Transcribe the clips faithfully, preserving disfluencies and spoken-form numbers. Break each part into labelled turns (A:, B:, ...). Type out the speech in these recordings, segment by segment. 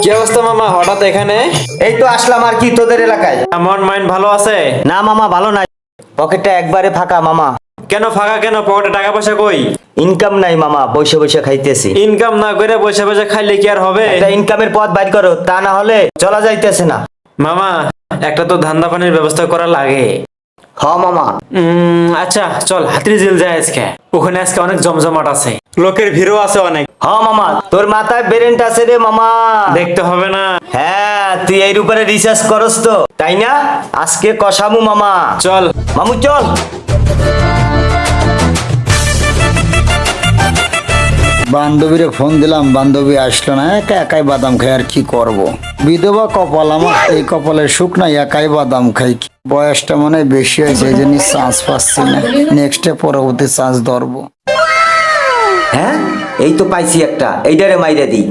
A: কি অবস্থা মামা, হঠাৎ এখানে?
B: এই তো আসলাম আর কি তোদের এলাকায়।
A: মন মাইন্ড ভালো আছে?
B: না মামা ভালো নাই, পকেটটা একবারে ফাঁকা মামা।
A: কেন ফাঁকা কেন? পকেটে টাকা পয়সা কই?
B: ইনকাম নাই মামা, বসে বসে খাইতেছি।
A: ইনকাম না করে বসে বসে খাইলে কি আর হবে?
B: একটা ইনকামের পথ বাইর করো, তা না হলে চলা যাইতেছে না।
A: মামা একটা তো ধান্দা পানির ব্যবস্থা করা লাগে।
B: হ মামা।
A: উম আচ্ছা চল হাতির ঝিল যায় আজকে। ওখানে আজকে অনেক জমজমাট আছে, লোকের ভিড়ও আছে অনেক।
B: হ মামা, তোর মাথায় বেরেন্ট আছে রে মামা।
A: দেখতে হবে না?
B: হ্যাঁ, তুই এর উপরে রিসার্চ করস তো, তাই না? আজকে কষামু মামা।
A: চল
B: মামু চল।
C: বান্ধবীরে ফোন দিলাম, বান্ধবী আসলো না, একা একাই বাদাম খাই, আর কি করব। বিধবা কপাল আমার, এই কপালের সুখ নাই, একাই বাদাম খাই। বয়সটা মনে হয় বেশি হয়েছে, এই জন্য চান্স পাচ্ছি না। নেক্সটে পরবর্তী চান্স ধরবো।
B: হ্যাঁ এই তো পাইছি একটা, এইটারে মাইরা দিই।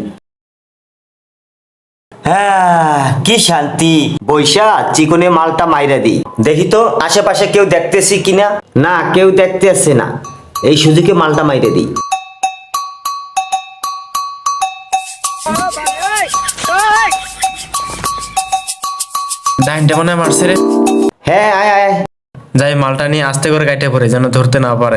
B: হ্যাঁ কি শান্তি, বৈশা চিকনে মালটা মাইরা দিই। দেখি তো আশেপাশে কেউ দেখতেছি কিনা। না কেউ দেখতে আসছে না, এই সুযোগে মালটা মাইরা দিই।
A: ডাইনটা মনে হয় মারছে রে।
B: হ্যাঁ আয় আয়।
A: যাই মালটা নিয়ে আস্তে করে কাটে পড়ে, যেন ধরতে না পারে।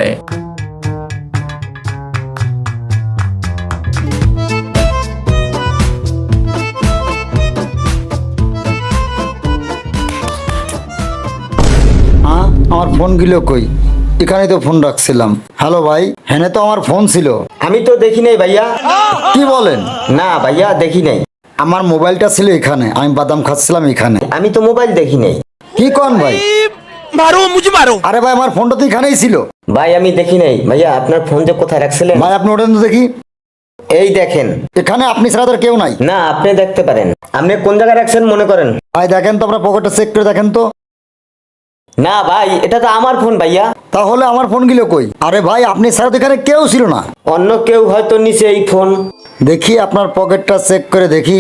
C: হ্যাঁ আমার ফোন গিলো কই? এখানেই তো ফোন রাখছিলাম। হ্যালো ভাই, হ্যাঁ তো আমার ফোন ছিল।
B: আমি তো দেখি নাই ভাইয়া।
C: কি বলেন?
B: না ভাইয়া দেখি নাই।
C: আমার মোবাইলটা ছিল এখানে, আমি বাদাম খাচ্ছিলাম এখানে।
B: আমি তো মোবাইল দেখি নাই।
C: কি কন ভাই?
D: मारो मुझे मारो।
C: আরে ভাই আমার ফোনটা তো এখানেই ছিল।
B: ভাই আমি দেখি নাই। ভাইয়া আপনার ফোন যে কোথায় রাখছিলেন?
C: ভাই আপনি ওটা তো দেখি।
B: এই দেখেন।
C: এখানে আপনি ছাড়া তো আর কেউ নাই।
B: না আপনি দেখতে পারেন। আপনি কোন জায়গায় রাখছেন মনে করেন?
C: ভাই দেখেন তো, আপনার পকেটটা চেক করে দেখেন তো।
B: না ভাই এটা তো আমার ফোন ভাইয়া।
C: তাহলে আমার ফোন গিলো কই? আরে ভাই আপনি ছাড়া তো এখানে কেউ ছিল না।
B: অন্য কেউ হয়তো নিচে এই ফোন।
C: দেখি আপনার পকেটটা চেক করে দেখি।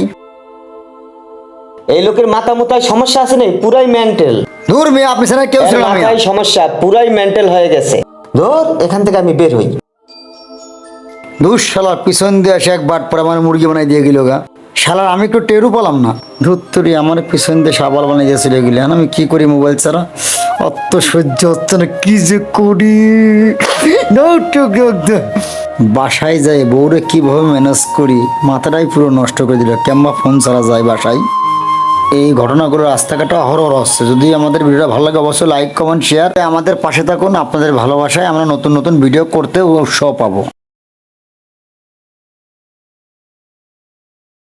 B: এই লোকের মাথা মোতায় সমস্যা আছে নাই, পুরাই মেন্টাল।
C: দূর মেয়ে, আপনি ছাড়া কেউ ছিল না। মিয়া।
B: মাথায় সমস্যা, পুরাই মেন্টাল হয়ে গেছে। ধর এখান থেকে আমি বের হই।
C: দূর শালার পিছন দিয়ে আসে এক বাট পরে আমার মুরগি বানাই দিয়ে গেল গা। শালার আমি একটু টেরু পেলাম না। ধুত্তরি আমার পিছন দিয়ে সাবাল বানাই দিয়েছিল এগুলি। আমি কি করি মোবাইল ছাড়া? অত সহ্য হচ্ছে না, কি যে করি। বাসায় যাই বউরে কিভাবে ম্যানেজ করি, মাথাটাই পুরো নষ্ট করে দিল। কেমবা ফোন ছাড়া যায় বাসায়? এই ঘটনাগুলো রাস্তাঘাটে অহরহ হচ্ছে। যদি আমাদের ভিডিওটা ভালো লাগে অবশ্যই লাইক কমেন্ট শেয়ার, আমাদের পাশে থাকুন। আপনাদের ভালোবাসায় আমরা নতুন নতুন ভিডিও করতে উৎসাহ পাবো।